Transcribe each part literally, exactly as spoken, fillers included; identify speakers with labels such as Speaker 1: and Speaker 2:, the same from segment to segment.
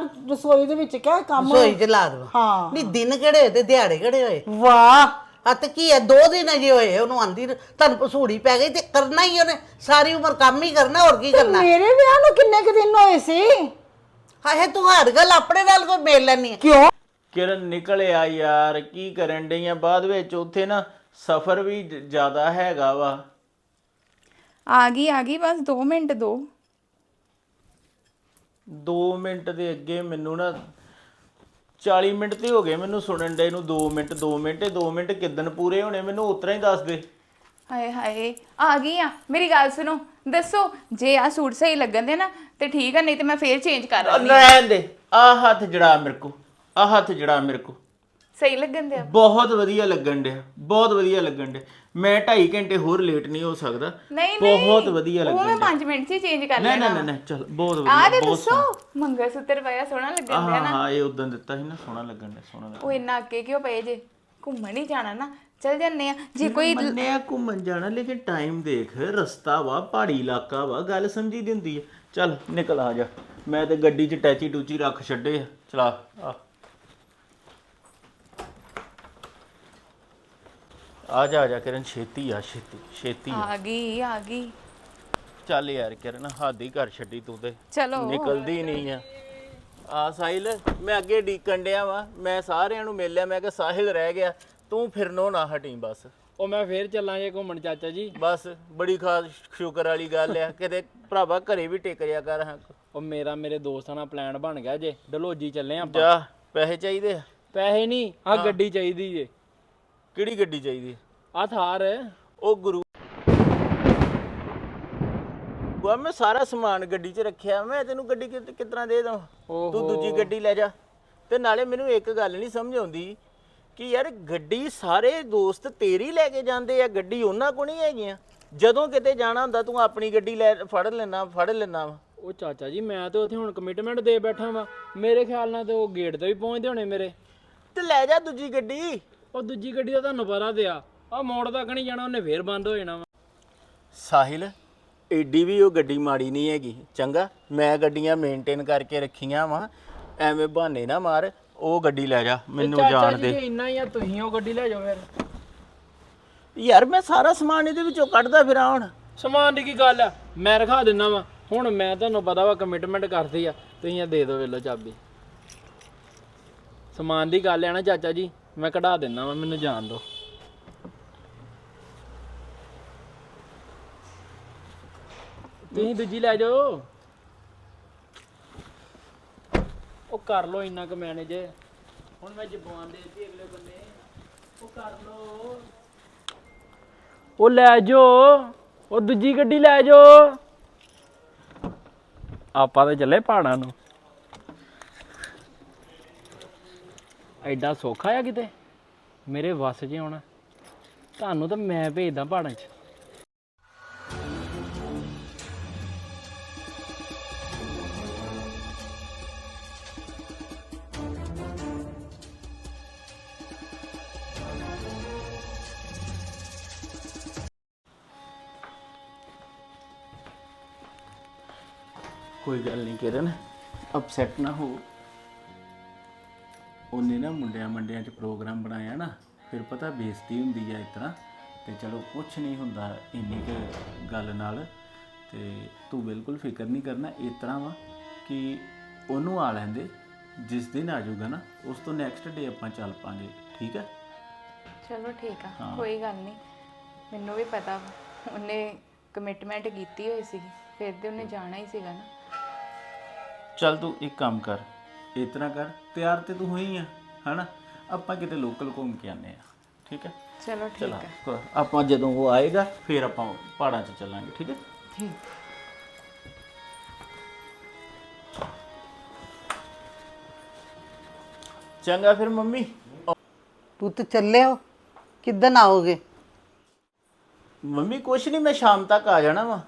Speaker 1: ਰਸੋਈ ਦੇ ਵਿੱਚ ਕਿਆ ਕੰਮ
Speaker 2: ਰਸੋਈ ਚ ਲਾ ਦਵਾ
Speaker 1: ਹਾਂ
Speaker 2: ਨਹੀਂ ਦਿਨ ਕਿਹੜੇ ਹੋਏ ਤੇ ਦਿਹਾੜੇ ਕਿਹੜੇ ਹੋਏ
Speaker 1: ਵਾਹ
Speaker 2: ਆ ਤੇ ਕੀ ਹੈ ਦੋ ਦਿਨ ਅਜੇ ਹੋਏ ਉਹਨੂੰ ਆਂਦੀ ਨੂੰ, ਤੁਹਾਨੂੰ ਪਸੂੜੀ ਪੈ ਗਈ ਤੇ ਕਰਨਾ ਹੀ ਉਹਨੇ ਸਾਰੀ ਉਮਰ ਕੰਮ ਹੀ ਕਰਨਾ ਹੋਰ ਕੀ ਕਰਨਾ
Speaker 1: ਮੇਰੇ ਵਿਆਹ ਨੂੰ ਕਿੰਨੇ ਕੁ ਦਿਨ ਹੋਏ ਸੀ
Speaker 2: ਹਾਏ ਤੂੰ ਹਰ ਗੱਲ ਆਪਣੇ ਨਾਲ ਕੋਈ ਮੇਲ ਲੈਣੀ ਹੈ
Speaker 1: ਕਿਉਂ
Speaker 3: ਕਿਰਨ ਨਿਕਲਿਆ ਯਾਰ ਕੀ ਕਰਨ ਡਈਆਂ ਬਾਅਦ ਵਿੱਚ ਉੱਥੇ ਨਾ ਸਫ਼ਰ ਵੀ ਜ- ਜ਼ਿਆਦਾ ਹੈਗਾ ਵਾ
Speaker 4: ਆ ਗਈ ਆ ਗਈ ਬਸ ਦੋ ਮਿੰਟ ਦੋ
Speaker 3: ਦੋ ਮਿੰਟ ਦੇ ਅੱਗੇ ਮੈਨੂੰ ਨਾ ਚਾਲੀ ਮਿੰਟ ਤੇ ਹੋ ਗਏ ਮੈਨੂੰ ਸੁਣਨ ਡੇ ਨੂੰ ਦੋ ਮਿੰਟ ਦੋ ਮਿੰਟ ਇਹ ਦੋ ਮਿੰਟ ਕਿੱਦਣ ਪੂਰੇ ਹੋਣੇ ਮੈਨੂੰ ਉਤਰਾ ਹੀ ਦੱਸ ਦੇ
Speaker 4: ਹਾਏ ਹਾਏ ਆ ਗਈ ਆ ਮੇਰੀ ਗੱਲ ਸੁਣੋ ਦੱਸੋ ਜੇ ਆ ਸੂਟ ਸਹੀ ਲੱਗਣ ਦੇ ਨਾ ਤੇ ਠੀਕ ਆ ਨਹੀਂ ਤੇ ਮੈਂ ਫੇਰ ਚੇਂਜ ਕਰ
Speaker 3: ਆ,
Speaker 4: ਲਾਂਗੀ
Speaker 3: ਰਹਿਣ ਦੇ ਆ ਹੱਥ ਜੜਾ ਮੇਰੇ ਕੋ ਆ ਹੱਥ ਜੜਾ ਮੇਰੇ ਕੋ
Speaker 4: ਸਹੀ ਲੱਗਣ ਦੇ ਆ
Speaker 3: ਬਹੁਤ ਵਧੀਆ ਲੱਗਣ ਡਿਆ ਬਹੁਤ ਵਧੀਆ ਲੱਗਣ ਡਿਆ ਮੈਂ ਢਾਈ ਘੰਟੇ ਹੋਰ ਲੇਟ ਨਹੀਂ ਹੋ ਸਕਦਾ
Speaker 4: ਨਹੀਂ ਨਹੀਂ
Speaker 3: ਬਹੁਤ ਵਧੀਆ
Speaker 4: ਉਹ
Speaker 3: ਲੱਗਣ
Speaker 4: ਮੈਂ
Speaker 3: ਡਿਆ
Speaker 4: ਪੰਜ ਮਿੰਟ 'ਚ ਚੇਂਜ ਕਰ
Speaker 3: ਨਹੀਂ
Speaker 4: ਲੈਣਾ
Speaker 3: ਨਹੀਂ ਨਹੀਂ ਚਲ ਬਹੁਤ
Speaker 4: ਆ
Speaker 3: ਵਧੀਆ
Speaker 4: ਤੇ
Speaker 3: ਬਹੁਤ
Speaker 4: ਦੱਸੋ ਮੰਗਲ ਸੂਤਰ ਪਾਇਆ ਸੋਹਣਾ ਲੱਗਣ
Speaker 3: ਹਾਂ
Speaker 4: ਦਿਆ ਨਾ
Speaker 3: ਹਾਂ ਇਹ ਉਦੋਂ ਦਿੱਤਾ ਸੀ ਨਾ ਸੋਹਣਾ ਲੱਗਣ ਡਿਆ ਸੋਹਣਾ ਲੱਗਣ
Speaker 4: ਉਹ ਇੰਨਾ ਅੱਗੇ ਕਿਉਂ ਪਏ ਜੇ ਘੁੰਮਣ ਹੀ ਜਾਣਾ ਨਾ ਚਲ ਜੰਨੇ ਆ ਜੇ ਕੋਈ
Speaker 3: ਮੰਨਿਆ ਘੁੰਮਣ ਜਾਣਾ ਲੇਕਿਨ ਟਾਈਮ ਦੇਖ ਰਸਤਾ ਵਾ ਪਹਾੜੀ ਇਲਾਕਾ ਵਾ ਗੱਲ ਸਮਝੀ ਦੀ ਹੁੰਦੀ ਹੈ ਚੱਲ ਨਿਕਲ ਆ ਜਾ ਮੈਂ ਤੇ ਗੱਡੀ 'ਚ ਟੈਚੀ ਟੂਚੀ ਰੱਖ ਛੱਡੇ ਆ ਚਲਾ ਆ ਆ ਜਾ ਆ ਜਾ ਕਿਰਨ ਛੇਤੀ ਆ ਛੇਤੀ ਛੇਤੀ ਆ
Speaker 4: ਆ ਗਈ ਆ ਗਈ
Speaker 3: ਚੱਲ ਯਾਰ ਕਿਰਨ ਹੱਦ ਹੀ ਕਰ ਛੱਡੀ ਤੂੰ ਤੇ
Speaker 4: ਚਲੋ
Speaker 3: ਨਿਕਲਦੀ ਨਹੀਂ ਆ ਆ ਸਾਹਿਲ ਮੈਂ ਅੱਗੇ ਡੀਕਣ ਡਿਆ ਵਾ ਮੈਂ ਸਾਰਿਆਂ ਨੂੰ ਮਿਲ ਲਿਆ ਮੈਂ ਕਿ ਸਾਹਿਲ ਰਹਿ ਗਿਆ ਤੂੰ ਫਿਰਨੋਂ ਨਾ ਹਟੀ ਬਸ
Speaker 5: ਉਹ ਮੈਂ ਫੇਰ ਚੱਲਾਂ ਜੇ ਘੁੰਮਣ ਚਾਚਾ ਜੀ
Speaker 3: ਬਸ ਬੜੀ ਖਾਸ ਸ਼ੁਕਰ ਵਾਲੀ ਗੱਲ ਆ ਕਿਤੇ ਭਰਾਵਾ ਘਰੇ ਵੀ ਟਿਕ ਰਿਆ ਕਰ ਹਾਂ
Speaker 5: ਉਹ ਮੇਰਾ ਮੇਰੇ ਦੋਸਤਾਂ ਨਾਲ ਪਲਾਨ ਬਣ ਗਿਆ ਜੇ ਡਲਹੌਜੀ ਚੱਲੇ ਆਪਾਂ
Speaker 3: ਜਾ ਪੈਸੇ ਚਾਹੀਦੇ ਆ
Speaker 5: ਪੈਸੇ ਨਹੀਂ ਆ ਗੱਡੀ ਚਾਹੀਦੀ ਜੇ
Speaker 3: ਕਿਹੜੀ ਗੱਡੀ ਚਾਹੀਦੀ
Speaker 5: ਆ ਥਾਰ
Speaker 3: ਉਹ ਗੁਰੂ ਵਾ ਮੈਂ ਸਾਰਾ ਸਮਾਨ ਗੱਡੀ 'ਚ ਰੱਖਿਆ ਮੈਂ ਤੈਨੂੰ ਗੱਡੀ ਕਿ ਕਿਤਨਾ ਦੇ ਦਾਂ ਤੂੰ ਦੂਜੀ ਗੱਡੀ ਲੈ ਜਾ ਤੇ ਨਾਲੇ ਮੈਨੂੰ ਇੱਕ ਗੱਲ ਨਹੀਂ ਸਮਝ ਆਉਂਦੀ ਕਿ ਯਾਰ ਗੱਡੀ ਸਾਰੇ ਦੋਸਤ ਤੇਰੀ ਲੈ ਕੇ ਜਾਂਦੇ ਆ ਗੱਡੀ ਉਹਨਾਂ ਕੋਲ ਨਹੀਂ ਹੈਗੀਆਂ ਜਦੋਂ ਕਿਤੇ ਜਾਣਾ ਹੁੰਦਾ ਤੂੰ ਆਪਣੀ ਗੱਡੀ ਲੈ ਫੜ ਲੈਣਾ ਫੜ ਲੈਣਾ ਵਾ
Speaker 5: ਉਹ ਚਾਚਾ ਜੀ ਮੈਂ ਤੇ ਉੱਥੇ ਹੁਣ ਕਮਿਟਮੈਂਟ ਦੇ ਬੈਠਾ ਵਾਂ ਮੇਰੇ ਖਿਆਲ ਨਾਲ ਤੇ ਉਹ ਗੇਟ ਤੇ ਵੀ ਪਹੁੰਚਦੇ ਹੋਣੇ ਮੇਰੇ
Speaker 3: ਤੇ ਲੈ ਜਾ ਦੂਜੀ ਗੱਡੀ
Speaker 5: ਉਹ ਦੂਜੀ ਗੱਡੀ ਦਾ ਤੁਹਾਨੂੰ ਪਤਾ ਤੇ ਆ ਆ ਮੋੜ ਤੱਕ ਨਹੀਂ ਜਾਣਾ ਉਹਨੇ ਫੇਰ ਬੰਦ ਹੋ ਜਾਣਾ ਵਾ
Speaker 3: ਸਾਹਿਲ ਏਡੀ ਵੀ ਉਹ ਗੱਡੀ ਮਾੜੀ ਨਹੀਂ ਹੈਗੀ ਚੰਗਾ ਮੈਂ ਗੱਡੀਆਂ ਮੇਨਟੇਨ ਕਰਕੇ ਰੱਖੀਆਂ ਵਾ ਐਵੇਂ ਬਹਾਨੇ ਨਾ ਮਾਰ ਉਹ ਗੱਡੀ ਲੈ ਜਾ ਮੈਨੂੰ
Speaker 5: ਚਾਚਾ
Speaker 3: ਜਾਣ
Speaker 5: ਜੀ
Speaker 3: ਦੇ
Speaker 5: ਜੇ ਇੰਨਾ ਹੀ ਆ ਤੁਸੀਂ ਉਹ ਗੱਡੀ ਲੈ ਜਾਓ ਫਿਰ
Speaker 3: ਯਾਰ ਮੈਂ ਸਾਰਾ ਸਮਾਨ ਇਹਦੇ ਵਿੱਚੋਂ ਕੱਢਦਾ ਫਿਰਾਂ ਹੁਣ
Speaker 5: ਸਮਾਨ ਦੀ ਕੀ ਗੱਲ ਆ ਮੈਂ ਰਖਾ ਦਿੰਦਾ ਵਾ ਹੁਣ ਮੈਂ ਤੁਹਾਨੂੰ ਪਤਾ ਵਾ ਕਮਿਟਮੈਂਟ ਕਰਦੀ ਆ ਤੁਸੀਂ ਇਹ ਦੇ ਦਿਓ ਵੇਲੋ ਚਾਬੀ ਸਮਾਨ ਦੀ ਗੱਲ ਆ ਨਾ ਚਾਚਾ ਜੀ ਮੈਂ ਕਢਾ ਦਿੰਦਾ ਵਾ ਮੈਨੂੰ ਜਾਣ ਦਿਓ ਤੁਸੀਂ ਦੂਜੀ ਲੈ ਜਾਓ ਉਹ ਕਰ ਲੋ ਇੰਨਾ ਕੁ ਮੈਨੇਜ ਹੁਣ ਮੈਂ ਜ਼ਬਾਨ ਦੇ ਦਿੱਤੀ ਅਗਲੇ ਬੰਦੇ ਉਹ ਕਰ ਲੋ ਉਹ ਲੈ ਜਾਓ ਉਹ ਦੂਜੀ ਗੱਡੀ ਲੈ ਜਾਓ ਆਪਾਂ ਤਾਂ ਚੱਲੇ ਪਹਾੜਾਂ ਨੂੰ ਐਡਾ ਸੌਖਾ ਆ ਕਿਤੇ ਮੇਰੇ ਵੱਸ 'ਚ ਆਉਣਾ ਤੁਹਾਨੂੰ ਤਾਂ ਮੈਂ ਭੇਜਦਾ ਪਹਾੜਾਂ 'ਚ
Speaker 3: ਕੋਈ ਗੱਲ ਨਹੀਂ ਕਿਰਨ ਅਪਸੈਟ ਨਾ ਹੋ ਉਹਨੇ ਨਾ ਮੁੰਡਿਆਂ ਮੰਡਿਆਂ 'ਚ ਪ੍ਰੋਗਰਾਮ ਬਣਾਇਆ ਨਾ ਫਿਰ ਪਤਾ ਬੇਇੱਜ਼ਤੀ ਹੁੰਦੀ ਆ ਇਸ ਤਰ੍ਹਾਂ ਤੇ ਚਲੋ ਕੁਛ ਨਹੀਂ ਹੁੰਦਾ ਇੰਨੀ ਕੁ ਗੱਲ ਨਾਲ ਤੇ ਤੂੰ ਬਿਲਕੁਲ ਫਿਕਰ ਨਹੀਂ ਕਰਨਾ ਇਸ ਤਰ੍ਹਾਂ ਵਾ ਕਿ ਉਹਨੂੰ ਆ ਲੈਂਦੇ ਜਿਸ ਦਿਨ ਆ ਜਾਊਗਾ ਨਾ ਉਸ ਤੋਂ ਨੈਕਸਟ ਡੇ ਆਪਾਂ ਚੱਲ ਪਾਂਗੇ ਠੀਕ ਹੈ
Speaker 4: ਚਲੋ ਠੀਕ ਆ ਕੋਈ ਗੱਲ ਨਹੀਂ ਮੈਨੂੰ ਵੀ ਪਤਾ ਵਾ ਉਹਨੇ ਕਮਿਟਮੈਂਟ ਕੀਤੀ ਹੋਈ ਸੀਗੀ ਫਿਰ ਤੇ ਉਹਨੇ ਜਾਣਾ ਹੀ ਸੀਗਾ ਨਾ
Speaker 3: ਚੱਲ ਤੂੰ ਇੱਕ ਕੰਮ ਕਰ ਇਸ ਤਰ੍ਹਾਂ ਕਰ ਤਿਆਰ ਤੇ ਤੂੰ ਹੋਈ ਆ ਹਨਾ ਆਪਾਂ ਕਿਤੇ ਲੋਕਲ ਘੁੰਮ ਕੇ ਆਨੇ ਆ ਠੀਕ ਹੈ
Speaker 4: ਚਲੋ ਠੀਕ
Speaker 3: ਚਲਾ
Speaker 4: ਆ
Speaker 3: ਆਪਾਂ ਜਦੋਂ ਉਹ ਆਏਗਾ ਫਿਰ ਆਪਾਂ ਪਹਾੜਾਂ 'ਚ ਚੱਲਾਂਗੇ ਠੀਕ ਹੈ
Speaker 4: ਠੀਕ
Speaker 3: ਚੰਗਾ ਫਿਰ ਮੰਮੀ
Speaker 2: ਤੂੰ ਤੇ ਚੱਲੇ ਹੋ ਕਿੱਦਣ ਆਓਗੇ
Speaker 3: ਮੰਮੀ ਕੁਛ ਨਹੀਂ ਮੈਂ ਸ਼ਾਮ ਤੱਕ ਆ ਜਾਣਾ ਵਾ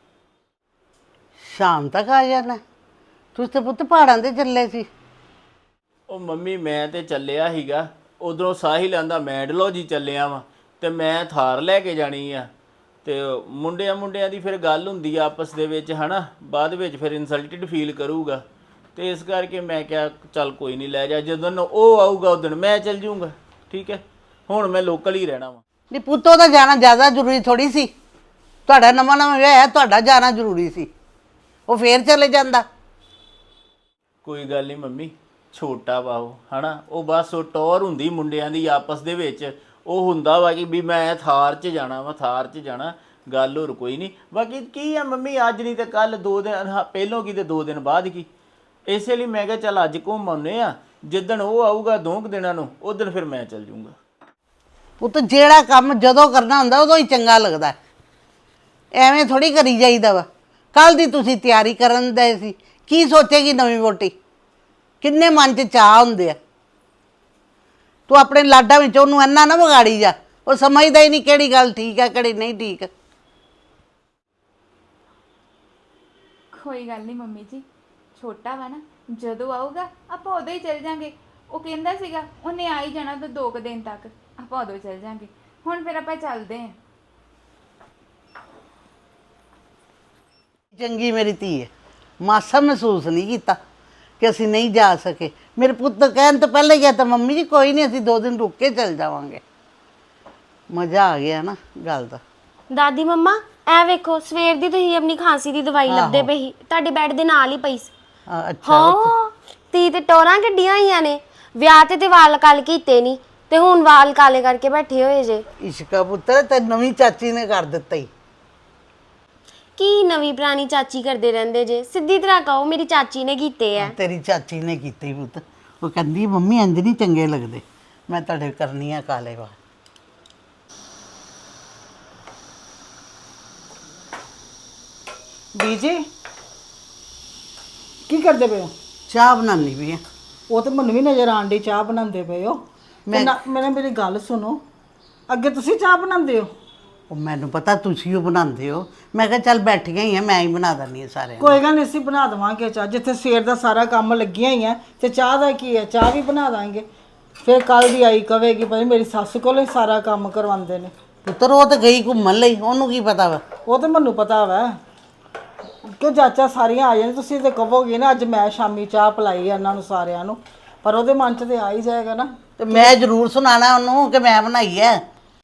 Speaker 2: ਸ਼ਾਮ ਤੱਕ ਆ ਜਾਣਾ ਤੁਸੀਂ ਤੇ ਪੁੱਤ ਪਹਾੜਾਂ ਤੇ ਚੱਲੇ ਸੀ
Speaker 3: ਉਹ ਮੰਮੀ ਮੈਂ ਤੇ ਚੱਲਿਆ ਸੀਗਾ ਉਧਰੋਂ ਸਾਹਿਲ ਆਂਦਾ ਮੈਂ ਡਲਹੌਜੀ ਚੱਲਿਆ ਵਾਂ ਤੇ ਮੈਂ ਥਾਰ ਲੈ ਕੇ ਜਾਣੀ ਆ ਤੇ ਮੁੰਡਿਆਂ ਮੁੰਡਿਆਂ ਦੀ ਫਿਰ ਗੱਲ ਹੁੰਦੀ ਆ ਆਪਸ ਦੇ ਵਿੱਚ ਹਨਾ ਬਾਅਦ ਵਿੱਚ ਫਿਰ ਇਨਸਲਟਡ ਫੀਲ ਕਰੂਗਾ ਤੇ ਇਸ ਕਰਕੇ ਮੈਂ ਕਿਹਾ ਚੱਲ ਕੋਈ ਨਹੀਂ ਲੈ ਜਾ, ਜਦੋਂ ਉਹ ਆਊਗਾ ਉਦੋਂ ਮੈਂ ਚੱਲ ਜੂੰਗਾ। ਠੀਕ ਹੈ, ਹੁਣ ਮੈਂ ਲੋਕਲ ਹੀ ਰਹਿਣਾ ਵਾ।
Speaker 2: ਨਹੀਂ ਪੁੱਤੋ ਦਾ ਜਾਣਾ ਜ਼ਿਆਦਾ ਜ਼ਰੂਰੀ ਥੋੜੀ ਸੀ। ਤੁਹਾਡਾ ਨਵਾਂ ਨਵਾਂ ਵਿਆਹ ਹੈ, ਤੁਹਾਡਾ ਜਾਣਾ ਜ਼ਰੂਰੀ ਸੀ। ਉਹ ਫੇਰ ਚਲੇ ਜਾਂਦਾ।
Speaker 3: ਕੋਈ ਗੱਲ ਨਹੀਂ ਮੰਮੀ, ਛੋਟਾ ਵਾ ਉਹ ਹਨਾ, ਉਹ ਬਸ ਉਹ ਟੌਰ ਹੁੰਦੀ ਮੁੰਡਿਆਂ ਦੀ ਆਪਸ ਦੇ ਵਿੱਚ, ਉਹ ਹੁੰਦਾ ਵਾ ਕਿ ਵੀ ਮੈਂ ਥਾਰ 'ਚ ਜਾਣਾ ਵਾ, ਥਾਰ 'ਚ ਜਾਣਾ, ਗੱਲ ਹੋਰ ਕੋਈ ਨਹੀਂ। ਬਾਕੀ ਕੀ ਆ ਮੰਮੀ, ਅੱਜ ਨਹੀਂ ਤੇ ਕੱਲ, ਦੋ ਦਿਨ ਹਾਂ ਪਹਿਲੋਂ ਕੀ ਤੇ ਦੋ ਦਿਨ ਬਾਅਦ ਕੀ। ਇਸੇ ਲਈ ਮੈਂ ਕਿਹਾ ਚੱਲ ਅੱਜ ਘੁੰਮ ਆਉਂਦੇ ਆ, ਜਿੱਦਣ ਉਹ ਆਊਗਾ ਦੋ ਕੁ ਦਿਨਾਂ ਨੂੰ ਉਦੋਂ ਫਿਰ ਮੈਂ ਚੱਲ ਜੂੰਗਾ।
Speaker 2: ਪੁੱਤ ਜਿਹੜਾ ਕੰਮ ਜਦੋਂ ਕਰਨਾ ਹੁੰਦਾ ਉਦੋਂ ਹੀ ਚੰਗਾ ਲੱਗਦਾ, ਐਵੇਂ ਥੋੜੀ ਕਰੀ ਜਾਈਦਾ ਵਾ। ਕੱਲ ਦੀ ਤੁਸੀਂ ਤਿਆਰੀ ਕਰਨ ਦੇ ਸੀ, ਕੀ ਸੋਚੇਗੀ ਨਵੀਂ ਵੋਟੀ? ਕਿੰਨੇ ਮਨ 'ਚ ਚਾਹ ਹੁੰਦੇ ਆ। ਤੂੰ ਆਪਣੇ ਲਾਡਾਂ ਵਿੱਚ ਉਹਨੂੰ ਇੰਨਾ ਨਾ ਵਿਗਾੜੀ ਜਾ, ਉਹ ਸਮਝਦਾ ਹੀ ਨਹੀਂ ਕਿਹੜੀ ਗੱਲ ਠੀਕ ਹੈ ਕਿਹੜੀ ਨਹੀਂ ਠੀਕ।
Speaker 4: ਕੋਈ ਗੱਲ ਨਹੀਂ ਮੰਮੀ ਜੀ, ਛੋਟਾ ਵਾ ਨਾ, ਜਦੋਂ ਆਊਗਾ ਆਪਾਂ ਉਦੋਂ ਹੀ ਚੱਲ ਜਾਾਂਗੇ। ਉਹ ਕਹਿੰਦਾ ਸੀਗਾ ਉਹਨੇ ਆ ਹੀ ਜਾਣਾ ਤਾਂ ਦੋ ਕੁ ਦਿਨ ਤੱਕ, ਆਪਾਂ ਉਦੋਂ ਚੱਲ ਜਾਾਂਗੇ। ਹੁਣ ਫਿਰ ਆਪਾਂ ਚੱਲਦੇ ਹਾਂ।
Speaker 2: ਚੰਗੀ ਮੇਰੀ ਧੀ ਹੈ, ਮਾਸਾ ਮਹਿਸੂਸ ਨਹੀਂ ਕੀਤਾ ਕਿ ਅਸੀਂ ਨਹੀਂ ਜਾ ਸਕੇ। ਮੇਰੇ ਪੁੱਤ ਕਹਿਣ ਤੋਂ ਪਹਿਲਾਂ ਹੀ ਤਾਂ ਮੰਮੀ ਜੀ ਕੋਈ ਨਹੀਂ, ਅਸੀਂ ਦੋ ਦਿਨ ਰੁਕ ਕੇ ਚੱਲ ਜਾਵਾਂਗੇ। ਮਜ਼ਾ ਆ ਗਿਆ ਨਾ ਗੱਲ ਦਾ।
Speaker 6: ਦਾਦੀ ਮੰਮਾ ਐ ਵੇਖੋ, ਸਵੇਰ ਦੀ ਤੁਸੀਂ ਆਪਣੀ ਖਾਂਸੀ ਦੀ ਦਵਾਈ ਲੱਭਦੇ ਪਈ ਸੀ, ਤੁਹਾਡੇ ਬੈੱਡ ਦੇ ਨਾਲ ਹੀ ਪਈ ਸੀ।
Speaker 2: ਹਾਂ, ਅੱਛਾ।
Speaker 6: ਹਾਂ ਤੀ ਤੇ ਟੋਰਾਂ ਕੱਢੀਆਂ ਹੋਈਆਂ ਨੇ, ਵਿਆਹ ਤੇ ਤੇ ਵਾਲ ਕਾਲ ਕੀਤੇ ਨਹੀਂ ਤੇ ਹੁਣ ਵਾਲ ਕਾਲੇ ਕਰਕੇ ਬੈਠੇ ਹੋਏ ਜੇ।
Speaker 2: ਇਸ਼ਕਾ ਪੁੱਤਰ ਤੇ ਨਵੀਂ ਚਾਚੀ ਨੇ ਕਰ ਦਿੱਤਾ ਹੀ।
Speaker 6: ਕੀ ਨਵੀਂ ਪੁਰਾਣੀ ਚਾਚੀ ਕਰਦੇ ਰਹਿੰਦੇ ਜੇ, ਸਿੱਧੀ ਤਰ੍ਹਾਂ ਕਹੋ ਮੇਰੀ ਚਾਚੀ ਨੇ ਕੀਤੇ ਆ।
Speaker 2: ਤੇਰੀ ਚਾਚੀ ਨੇ ਕੀਤੇ ਹੀ ਪੁੱਤ। ਉਹ ਕਹਿੰਦੀ ਮੰਮੀ ਇੰਜ ਨਹੀਂ ਚੰਗੇ ਲੱਗਦੇ, ਮੈਂ ਤੁਹਾਡੇ ਕਰਨੀ ਆ ਕਾਲੇ ਵਾਲ।
Speaker 1: ਬੀਜੀ ਕੀ ਕਰਦੇ ਪਏ ਹੋ?
Speaker 2: ਚਾਹ ਬਣਾਉਣੀ ਵੀ ਆ।
Speaker 1: ਉਹ ਤੇ ਮੈਨੂੰ ਵੀ ਨਜ਼ਰ ਆਣ ਡਈ ਚਾਹ ਬਣਾਉਂਦੇ ਪਏ ਹੋ। ਮੈਂ ਮੈਨੇ ਮੇਰੀ ਗੱਲ ਸੁਣੋ, ਅੱਗੇ ਤੁਸੀਂ ਚਾਹ ਬਣਾਉਂਦੇ ਹੋ?
Speaker 2: ਉਹ ਮੈਨੂੰ ਪਤਾ ਤੁਸੀਂ ਉਹ ਬਣਾਉਂਦੇ ਹੋ, ਮੈਂ ਕਿਹਾ ਚੱਲ ਬੈਠੀਆਂ ਹੀ ਆ, ਮੈਂ ਹੀ ਬਣਾ ਦਿੰਦੀ ਹਾਂ ਸਾਰਿਆਂ ਨੂੰ।
Speaker 1: ਕੋਈ ਗੱਲ ਨਹੀਂ, ਅਸੀਂ ਬਣਾ ਦੇਵਾਂਗੇ ਚਾਹ। ਜਿੱਥੇ ਸਵੇਰ ਦਾ ਸਾਰਾ ਕੰਮ ਲੱਗੀਆਂ ਹੀ ਆ ਤੇ ਚਾਹ ਦਾ ਕੀ ਹੈ, ਚਾਹ ਵੀ ਬਣਾ ਦਾਂਗੇ। ਫਿਰ ਕੱਲ ਦੀ ਆਈ ਕਵੇਗੀ ਭਾਈ ਮੇਰੀ ਸੱਸ ਕੋਲੋਂ ਹੀ ਸਾਰਾ ਕੰਮ ਕਰਵਾਉਂਦੇ ਨੇ।
Speaker 2: ਪੁੱਤਰ ਉਹ ਤਾਂ ਗਈ ਘੁੰਮਣ ਲਈ, ਉਹਨੂੰ ਕੀ ਪਤਾ ਵਾ।
Speaker 1: ਉਹ ਤਾਂ ਮੈਨੂੰ ਪਤਾ ਵਾ ਕਿ ਚਾਚਾ ਸਾਰੀਆਂ ਆ ਜਾਣ, ਤੁਸੀਂ ਤੇ ਕਹੋਗੇ ਨਾ ਅੱਜ ਮੈਂ ਸ਼ਾਮੀ ਚਾਹ ਪਿਲਾਈ ਇਹਨਾਂ ਨੂੰ ਸਾਰਿਆਂ ਨੂੰ, ਪਰ ਉਹਦੇ ਮਨ 'ਚ ਤੇ ਆ ਹੀ ਜਾਏਗਾ ਨਾ।
Speaker 2: ਤੇ ਮੈਂ ਜ਼ਰੂਰ ਸੁਣਾਣਾ ਉਹਨੂੰ ਕਿ ਮੈਂ ਬਣਾਈ ਹੈ।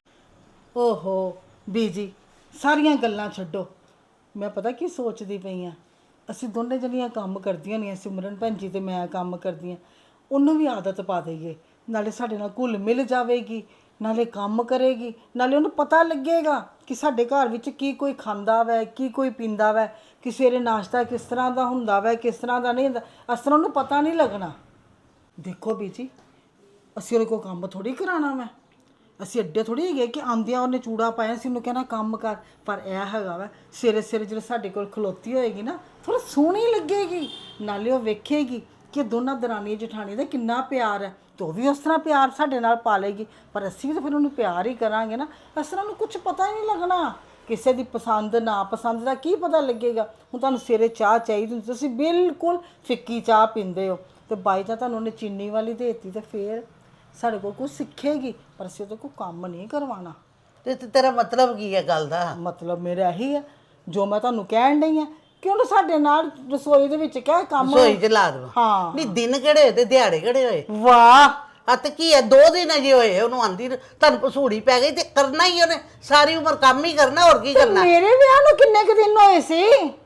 Speaker 1: ਓਹੋ ਬੀਜੀ, ਸਾਰੀਆਂ ਗੱਲਾਂ ਛੱਡੋ। ਮੈਂ ਪਤਾ ਕੀ ਸੋਚਦੀ ਪਈ ਆ, ਅਸੀਂ ਦੋਨੇ ਜਣੀਆਂ ਕੰਮ ਕਰਦੀਆਂ ਨਹੀਂ, ਸਿਮਰਨ ਭੈਣ ਜੀ ਤੇ ਮੈਂ ਕੰਮ ਕਰਦੀਆਂ, ਉਹਨੂੰ ਵੀ ਆਦਤ ਪਾ ਦੇਈਏ, ਨਾਲੇ ਸਾਡੇ ਨਾਲ ਘੁਲ ਮਿਲ ਜਾਵੇਗੀ, ਨਾਲੇ ਕੰਮ ਕਰੇਗੀ, ਨਾਲੇ ਉਹਨੂੰ ਪਤਾ ਲੱਗੇਗਾ ਕਿ ਸਾਡੇ ਘਰ ਵਿੱਚ ਕੀ ਕੋਈ ਖਾਂਦਾ ਵੈ, ਕੀ ਕੋਈ ਪੀਂਦਾ ਵੈ, ਕਿ ਸਵੇਰੇ ਨਾਸ਼ਤਾ ਕਿਸ ਤਰ੍ਹਾਂ ਦਾ ਹੁੰਦਾ ਵੈ, ਕਿਸ ਤਰ੍ਹਾਂ ਦਾ ਨਹੀਂ ਹੁੰਦਾ। ਇਸ ਤਰ੍ਹਾਂ ਉਹਨੂੰ ਪਤਾ ਨਹੀਂ ਲੱਗਣਾ। ਦੇਖੋ ਬੀਜੀ, ਅਸੀਂ ਉਹਦੇ ਕੋਲ ਕੰਮ ਥੋੜ੍ਹੀ ਕਰਾਉਣਾ ਮੈਂ, ਅਸੀਂ ਅੱਡੇ ਥੋੜ੍ਹੀ ਹੈਗੇ ਕਿ ਆਉਂਦਿਆਂ ਉਹਨੇ ਚੂੜਾ ਪਾਇਆ ਸੀ ਉਹਨੂੰ ਕਹਿਣਾ ਕੰਮ ਕਰ। ਪਰ ਇਹ ਹੈਗਾ ਵਾ ਸਵੇਰੇ ਸਵੇਰੇ ਜਦੋਂ ਸਾਡੇ ਕੋਲ ਖਲੋਤੀ ਹੋਏਗੀ ਨਾ, ਥੋੜ੍ਹਾ ਸੋਹਣੀ ਲੱਗੇਗੀ, ਨਾਲੇ ਉਹ ਵੇਖੇਗੀ ਕਿ ਦੋਨਾਂ ਦਰਾਣੀ ਜਠਾਣੀ ਦਾ ਕਿੰਨਾ ਪਿਆਰ ਹੈ, ਤੇ ਉਹ ਵੀ ਉਸ ਤਰ੍ਹਾਂ ਪਿਆਰ ਸਾਡੇ ਨਾਲ ਪਾ ਲਏਗੀ। ਪਰ ਅਸੀਂ ਵੀ ਤਾਂ ਫਿਰ ਉਹਨੂੰ ਪਿਆਰ ਹੀ ਕਰਾਂਗੇ ਨਾ। ਇਸ ਤਰ੍ਹਾਂ ਨੂੰ ਕੁਝ ਪਤਾ ਹੀ ਨਹੀਂ ਲੱਗਣਾ, ਕਿਸੇ ਦੀ ਪਸੰਦ ਨਾ ਪਸੰਦ ਦਾ ਕੀ ਪਤਾ ਲੱਗੇਗਾ। ਹੁਣ ਤੁਹਾਨੂੰ ਸਵੇਰੇ ਚਾਹ ਚਾਹੀਦੀ ਹੁੰਦੀ, ਤੁਸੀਂ ਬਿਲਕੁਲ ਫਿੱਕੀ ਚਾਹ ਪੀਂਦੇ ਹੋ, ਤੇ ਬਾਈ ਚਾਹ ਤੁਹਾਨੂੰ ਉਹਨੇ ਚੀਨੀ ਵਾਲੀ ਦੇ ਦਿੱਤੀ, ਤੇ ਫਿਰ ਸਾਡੇ ਕੋਲ ਕੁਝ ਸਿੱਖੇਗੀ, ਪਰ ਅਸੀਂ ਉਹਦੇ ਕੋਲ ਕੰਮ ਨਹੀਂ ਕਰਵਾਉਣਾ।
Speaker 2: ਤੇ ਤੇਰਾ ਮਤਲਬ ਕੀ ਹੈ ਗੱਲ ਦਾ?
Speaker 1: ਮਤਲਬ ਮੇਰਾ ਇਹੀ ਹੈ ਜੋ ਮੈਂ ਤੁਹਾਨੂੰ ਕਹਿਣ ਡਈ ਹਾਂ ਕਿ ਉਹਨੂੰ ਸਾਡੇ ਨਾਲ ਰਸੋਈ ਦੇ ਵਿੱਚ ਕਹਿ ਕੰਮ।
Speaker 2: ਰਸੋਈ 'ਚ ਲਾ ਦੇਵਾਂ?
Speaker 1: ਹਾਂ।
Speaker 2: ਨਹੀਂ ਦਿਨ ਕਿਹੜੇ ਹੋਏ ਤੇ ਦਿਹਾੜੇ ਕਿਹੜੇ ਹੋਏ?
Speaker 1: ਵਾਹ,
Speaker 2: ਆ ਤੇ ਕੀ ਹੈ, ਦੋ ਦਿਨ ਅਜੇ ਹੋਏ ਉਹਨੂੰ ਆਂਦੀ, ਤੁਹਾਨੂੰ ਪਸੂੜੀ ਪੈ ਗਈ ਤੇ ਕਰਨਾ ਹੀ ਉਹਨੇ, ਸਾਰੀ ਉਮਰ ਕੰਮ ਹੀ ਕਰਨਾ, ਹੋਰ ਕੀ ਕਰਨਾ।
Speaker 1: ਮੇਰੇ ਵਿਆਹ ਨੂੰ ਕਿੰਨੇ ਕੁ ਦਿਨ ਹੋਏ ਸੀ?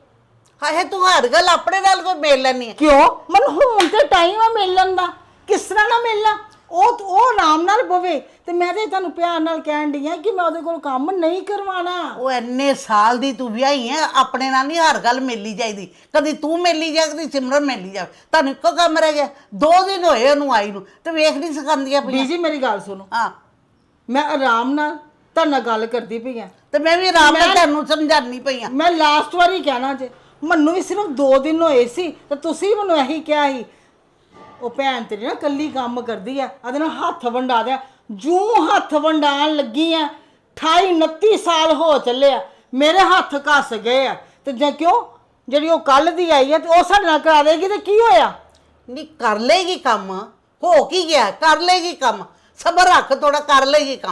Speaker 2: ਹਾਏ ਤੂੰ ਹਰ ਗੱਲ ਆਪਣੇ ਨਾਲ ਕੋਈ ਮੇਲ ਲੈਣੀ ਹੈ।
Speaker 1: ਕਿਉਂ? ਮੈਨੂੰ ਹੁਣ ਤੇ ਟਾਈਮ ਆ ਮਿਲਣ ਦਾ, ਕਿਸ ਤਰ੍ਹਾਂ ਨਾ ਮਿਲਣਾ? ਉਹ ਉਹ ਆਰਾਮ ਨਾਲ ਬਵੇ, ਤੇ ਮੈਂ ਤੇ ਤੁਹਾਨੂੰ ਪਿਆਰ ਨਾਲ ਕਹਿਣ ਡਈ ਆ ਕਿ ਮੈਂ ਉਹਦੇ ਕੋਲ ਕੰਮ ਨਹੀਂ ਕਰਵਾਉਣਾ।
Speaker 2: ਉਹ ਇੰਨੇ ਸਾਲ ਦੀ ਤੂੰ ਵਿਆਹੀ ਹੈ, ਆਪਣੇ ਨਾਲ ਨਹੀਂ ਹਰ ਗੱਲ ਮੇਲੀ ਜਾਈਦੀ। ਕਦੀ ਤੂੰ ਮੇਲੀ ਜਾ, ਕਦੀ ਸਿਮਰਨ ਮੇਲੀ ਜਾ, ਤੁਹਾਨੂੰ ਇੱਕੋ ਕੰਮ ਰਹਿ ਗਿਆ। ਦੋ ਦਿਨ ਹੋਏ ਉਹਨੂੰ ਆਈ ਨੂੰ, ਤੇ ਵੇਖ ਨਹੀਂ ਸਿਖਾਉਂਦੀਆਂ ਪਈਆਂ।
Speaker 1: ਬੀਜੀ ਮੇਰੀ ਗੱਲ ਸੁਣੋ,
Speaker 2: ਹਾਂ
Speaker 1: ਮੈਂ ਆਰਾਮ ਨਾਲ ਤੁਹਾਡੇ ਨਾਲ ਗੱਲ ਕਰਦੀ ਪਈ ਆ,
Speaker 2: ਤੇ ਮੈਂ ਵੀ ਆਰਾਮ ਨਾਲ ਤੁਹਾਨੂੰ ਸਮਝਾਉਣੀ ਪਈ ਆ।
Speaker 1: ਮੈਂ ਲਾਸਟ ਵਾਰੀ ਕਹਿਣਾ ਜੇ, ਮੈਨੂੰ ਵੀ ਸਿਰਫ ਦੋ ਦਿਨ ਹੋਏ ਸੀ ਤੇ ਤੁਸੀਂ ਮੈਨੂੰ ਇਹੀ ਕਿਹਾ ਸੀ ਉਹ ਭੈਣ ਤੇਰੀ ਨਾ ਕੱਲੀ ਕੰਮ ਕਰਦੀ ਆ, ਉਹਦੇ ਨਾਲ ਹੱਥ ਵੰਡਾ ਦਿਆ। ਜੂੰ ਹੱਥ ਵੰਡਾਣ ਲੱਗੀ ਆ, ਅਠਾਈ ਉਨੱਤੀ ਸਾਲ ਹੋ ਚੱਲੇ ਆ, ਮੇਰੇ ਹੱਥ ਘਸ ਗਏ ਆ। ਤੇ ਜੇ ਕਿਉਂ ਜਿਹੜੀ ਉਹ ਕੱਲ ਦੀ ਆਈ ਹੈ ਤੇ ਉਹ ਸਾਡੇ ਨਾਲ ਕਰਾ ਦੇਗੀ ਤੇ ਕੀ ਹੋਇਆ?
Speaker 2: ਨਹੀਂ ਕਰ ਲੇਗੀ ਕੰਮ, ਹੋ ਕੀ ਗਿਆ, ਕਰ ਲੇਗੀ ਕੰਮ, ਸਬਰ ਰੱਖ ਥੋੜਾ, ਕਰ ਲੇਗੀ ਕੰਮ।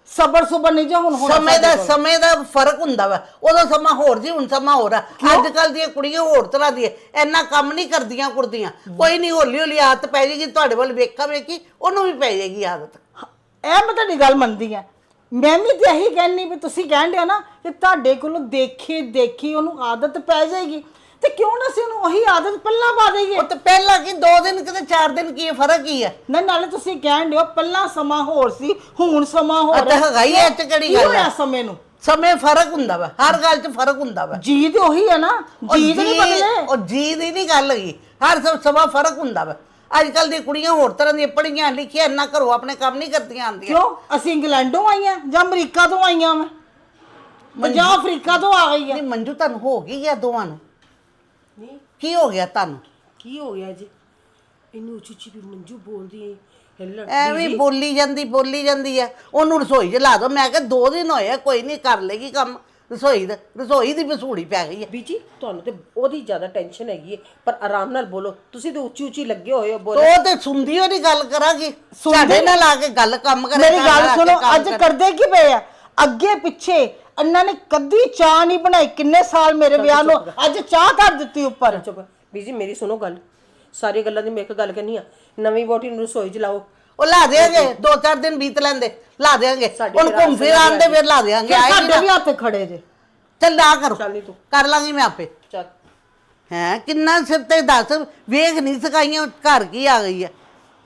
Speaker 1: ਸਬਰ ਸੁਬਰ ਨਹੀਂ ਜੇ ਹੁਣ ਹੋਣਾ
Speaker 2: ਸਮੇਂ
Speaker 1: ਸਾਡੇ
Speaker 2: ਦਾ
Speaker 1: ਕੋਲ।
Speaker 2: ਸਮੇਂ ਦਾ ਫਰਕ ਹੁੰਦਾ ਵਾ। ਉਦੋਂ ਸਮਾਂ ਹੋਰ ਸੀ, ਹੁਣ ਸਮਾਂ ਹੋਰ ਆ। ਅੱਜ ਕੱਲ ਦੀਆਂ ਕੁੜੀਆਂ ਹੋਰ ਤਰ੍ਹਾਂ ਦੀਆਂ, ਇੰਨਾ ਕੰਮ ਨਹੀਂ ਕਰਦੀਆਂ ਕੁੜਦੀਆਂ। ਕੋਈ ਨਹੀਂ, ਹੌਲੀ ਹੌਲੀ ਆਦਤ ਪੈ ਜਾਏਗੀ। ਤੁਹਾਡੇ ਵੱਲ ਵੇਖਾ ਵੇਖੀ ਉਹਨੂੰ ਵੀ ਪੈ ਜਾਏਗੀ ਆਦਤ।
Speaker 1: ਇਹ ਮੈਂ ਤੁਹਾਡੀ ਗੱਲ ਮੰਨਦੀ ਆ। ਮੈਂ ਵੀ ਤੇ ਇਹੀ ਕਹਿੰਨੀ ਵੀ ਤੁਸੀਂ ਕਹਿੰਦੇ ਹੋ ਨਾ ਕਿ ਤੁਹਾਡੇ ਕੋਲੋਂ ਦੇਖੀ ਦੇਖੀ ਉਹਨੂੰ ਆਦਤ ਪੈ ਜਾਏਗੀ, ਤੇ ਕਿਉਂ ਨਾ ਅਸੀਂ ਉਹਨੂੰ ਉਹੀ ਆਦਤ ਪਹਿਲਾਂ ਪਾ ਦੇਈਏ।
Speaker 2: ਉਹ ਤੇ ਪਹਿਲਾਂ ਕੀ ਦੋ ਦਿਨ ਕਿਤੇ ਚਾਰ ਦਿਨ ਕੀ ਹੈ, ਫਰਕ ਕੀ ਹੈ?
Speaker 1: ਨਾ ਨਾਲੇ ਤੁਸੀਂ ਕਹਿੰਦੇ ਹੋ ਪਹਿਲਾਂ ਸਮਾਂ ਹੋਰ ਸੀ, ਹੁਣ ਸਮਾਂ ਹੋਰ
Speaker 2: ਅਤੇ ਹੈਗਾ ਹੀ ਇਹ 'ਚ ਕਿਹੜੀ
Speaker 1: ਕੀ
Speaker 2: ਗੱਲ
Speaker 1: ਹੋਇਆ
Speaker 2: ਹੈ?
Speaker 1: ਸਮੇਂ ਨੂੰ?
Speaker 2: ਸਮੇਂ ਫਰਕ ਹੁੰਦਾ ਵਾ, ਹਰ ਗੱਲ 'ਚ ਫਰਕ ਹੁੰਦਾ ਵਾ।
Speaker 1: ਜੀ ਤੇ ਉਹੀ ਹੈ ਨਾ,
Speaker 2: ਉਹ
Speaker 1: ਜੀ ਤੇ ਨਹੀਂ
Speaker 2: ਜੀ-
Speaker 1: ਬਦਲੇ।
Speaker 2: ਉਹ ਜੀ ਦੀ ਨਹੀਂ ਗੱਲ ਹੈਗੀ, ਹਰ ਸਭ ਸਮਾਂ ਫਰਕ ਹੁੰਦਾ ਵਾ। ਅੱਜ ਕੱਲ ਦੀਆਂ ਕੁੜੀਆਂ ਹੋਰ ਤਰ੍ਹਾਂ ਦੀਆਂ ਪੜ੍ਹੀਆਂ ਲਿਖੀਆਂ, ਇੰਨਾ ਘਰੋਂ ਆਪਣੇ ਕੰਮ ਨਹੀਂ ਕਰਦੀਆਂ ਆਉਂਦੀਆਂ।
Speaker 1: ਕਿਉਂ ਅਸੀਂ ਇੰਗਲੈਂਡੋਂ ਆਈਆਂ ਜਾਂ ਅਮਰੀਕਾ ਤੋਂ ਆਈਆਂ ਮੈਂ ਜਾਂ ਅਫਰੀਕਾ ਤੋਂ ਆ ਗਈ ਆ?
Speaker 2: ਨਹੀਂ ਮੰਜੂ, ਤੁਹਾਨੂੰ ਹੋ ਗਈ ਆ ਦੋਵਾਂ ਨੂੰ?
Speaker 7: ਨਹੀਂ
Speaker 2: ਕੀ ਹੋ ਗਿਆ ਤੁਹਾਨੂੰ?
Speaker 7: ਕੀ ਹੋ ਗਿਆ ਜੀ? ਇਹਨੂੰ ਉੱਚੀ ਉੱਚੀ ਵੀ ਮੰਜੂ ਬੋਲਦੀ ਹੈ ਲੜਦੀ
Speaker 2: ਐਵੇਂ ਬੋਲੀ ਜਾਂਦੀ ਬੋਲੀ ਜਾਂਦੀ ਆ। ਉਹਨੂੰ ਰਸੋਈ 'ਚ ਲਾ ਦੋ। ਮੈਂ ਕਿਹਾ ਦੋ ਦਿਨ ਹੋਏ ਆ, ਕੋਈ ਨਹੀਂ ਕਰ ਲੇਗੀ ਕੰਮ ਰਸੋਈ ਦਾ। ਰਸੋਈ ਦੀ ਵਸੂੜੀ ਪੈ ਗਈ ਹੈ।
Speaker 7: ਬੀਜੀ ਤੁਹਾਨੂੰ ਤੇ ਉਹਦੀ ਜ਼ਿਆਦਾ ਟੈਨਸ਼ਨ ਹੈਗੀ ਹੈ, ਪਰ ਆਰਾਮ ਨਾਲ ਬੋਲੋ। ਤੁਸੀਂ ਤੇ ਉੱਚੀ ਉੱਚੀ ਲੱਗੇ ਹੋਏ ਹੋ
Speaker 2: ਤੇ
Speaker 7: ਬੋਲ।
Speaker 2: ਉਹ ਤੇ ਸੁਣਦੀ ਉਹਦੀ ਗੱਲ ਕਰਾਂਗੀ, ਸਾਡੇ ਨਾਲ ਆ ਕੇ ਗੱਲ ਕੰਮ ਕਰੇ।
Speaker 1: ਮੇਰੀ
Speaker 2: ਸਾਡੇ ਨਾਲ
Speaker 1: ਗੱਲ
Speaker 2: ਆ ਕੇ
Speaker 1: ਸੁਣੋ,
Speaker 2: ਕੰਮ
Speaker 1: ਅੱਜ
Speaker 2: ਕਰੇ।
Speaker 1: ਕਰਦੇ ਕੀ ਪਏ ਆ? ਅੱਗੇ ਪਿੱਛੇ ਇਹਨਾਂ ਨੇ ਕਦੀ ਚਾਹ ਨਹੀਂ ਬਣਾਈ, ਕਿੰਨੇ ਸਾਲ ਮੇਰੇ ਵਿਆਹ ਨੂੰ, ਅੱਜ ਚਾਹ ਧਰ ਦਿੱਤੀ ਉੱਪਰ।
Speaker 7: ਚੁੱਪ ਬੀਜੀ, ਮੇਰੀ ਸੁਣੋ ਗੱਲ। ਸਾਰੀ ਗੱਲਾਂ ਦੀ ਮੈਂ ਇੱਕ ਗੱਲ ਕਰਨੀ ਆ, ਨਵੀਂ ਵੋਟੀ ਨੂੰ ਰਸੋਈ 'ਚ ਲਾਓ।
Speaker 2: ਉਹ ਲਾ ਦੇਾਂਗੇ, ਦੋ ਚਾਰ ਦਿਨ ਬੀਤ ਲੈਂਦੇ, ਲਾ ਦੇਾਂਗੇ।
Speaker 7: ਸਾਡੇ
Speaker 2: ਹੁਣ
Speaker 7: ਫਿਰ
Speaker 2: ਘੁੰਮ ਫਿਰ ਆਂਦੇ, ਫਿਰ ਲਾ ਦੇਾਂਗੇ।
Speaker 1: ਫਿਰ
Speaker 2: ਆਏਗੀ
Speaker 1: ਸਾਡੇ
Speaker 2: ਨਾ,
Speaker 1: ਵੀ ਹੱਥ ਖੜੇ ਜੇ।
Speaker 2: ਚੱਲ ਨਾ ਕਰੋ,
Speaker 7: ਚੱਲ ਨੀ ਤੂੰ।
Speaker 2: ਕਰ ਲਾਂਗੀ ਮੈਂ ਆਪੇ।
Speaker 7: ਚੱਲ
Speaker 2: ਹੈ ਕਿੰਨਾ ਸਿਰ ਤੇ ਦੱਸ, ਵੇਖ ਨਹੀਂ ਸਕਾਈਆਂ ਘਰ ਕੀ ਆ ਗਈ ਹੈ।